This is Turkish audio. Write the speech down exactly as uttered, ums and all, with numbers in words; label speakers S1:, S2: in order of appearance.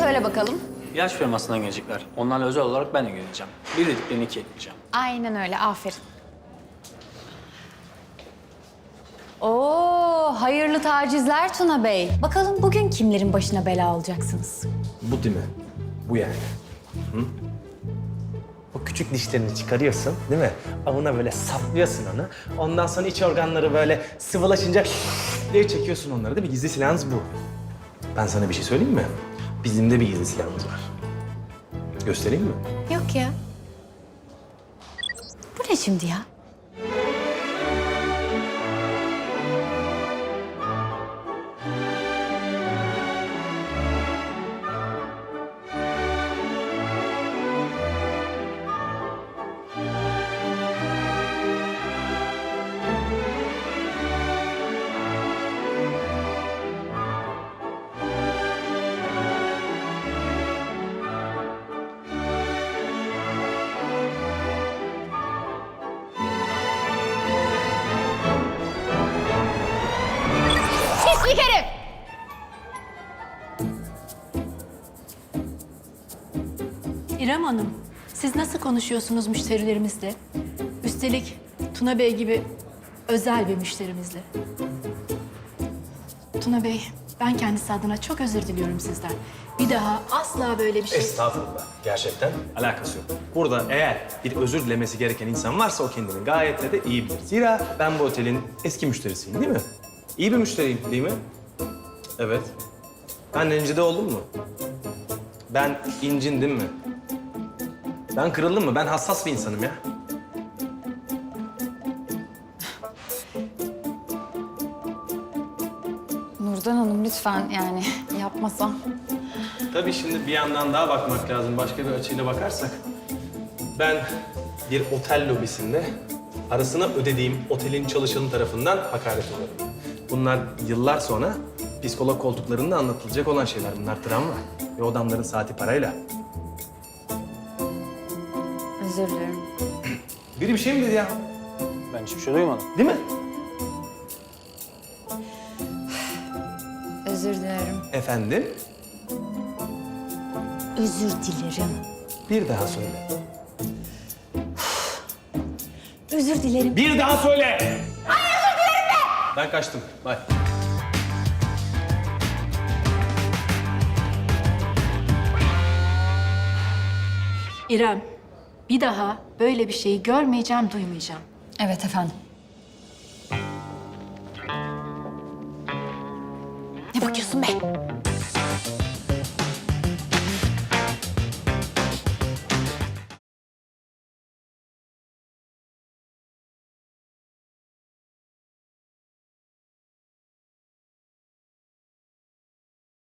S1: söyle bakalım.
S2: İlaç firmasından gelecekler. Onlarla özel olarak ben de geleceğim. Bir dediklerini iki ekleyeceğim.
S1: Aynen öyle, aferin. Oo, hayırlı tacizler Tuna Bey. Bakalım bugün kimlerin başına bela alacaksınız?
S3: Bu değil mi? Bu yani. Hı? O küçük dişlerini çıkarıyorsun değil mi? Avına böyle saplıyorsun onu. Ondan sonra iç organları böyle sıvılaşınca diye çekiyorsun onları değil mi? Gizli silahınız bu. Ben sana bir şey söyleyeyim mi? Bizim de bir gizli silahımız var. Göstereyim mi?
S1: Yok ya. Bu ne şimdi ya? Pislik herif!
S4: İrem Hanım, siz nasıl konuşuyorsunuz müşterilerimizle? Üstelik Tuna Bey gibi özel bir müşterimizle. Tuna Bey, ben kendisi adına çok özür diliyorum sizden. Bir daha asla böyle bir şey...
S3: Estağfurullah. Gerçekten alakası yok. Burada eğer bir özür dilemesi gereken insan varsa o kendini gayet de iyi bilir. Zira ben bu otelin eski müşterisiyim değil mi? İyi bir müşteriyim değil mi? Evet. Ben rencide oldum mu? Ben incindim mi? Ben kırıldım mı? Ben hassas bir insanım ya.
S1: Nurdan Hanım lütfen yani yapmasam.
S3: Tabii şimdi bir yandan daha bakmak lazım. Başka bir açıyla bakarsak. Ben bir otel lobisinde parasını ödediğim otelin çalışanı tarafından hakaret uğradım. Bunlar yıllar sonra psikolog koltuklarında anlatılacak olan şeyler. Bunlar travma ve o adamların saati parayla.
S1: Özür dilerim.
S3: Biri bir şey mi dedi ya?
S2: Ben hiçbir şey duymadım.
S3: Değil mi?
S1: Özür dilerim.
S3: Efendim?
S1: Özür dilerim.
S3: Bir daha söyle.
S1: Özür dilerim.
S3: Bir daha söyle! Ay özür dilerim be! Ben kaçtım. Bye.
S4: İrem, bir daha böyle bir şeyi görmeyeceğim, duymayacağım.
S1: Evet efendim. Ne bakıyorsun be?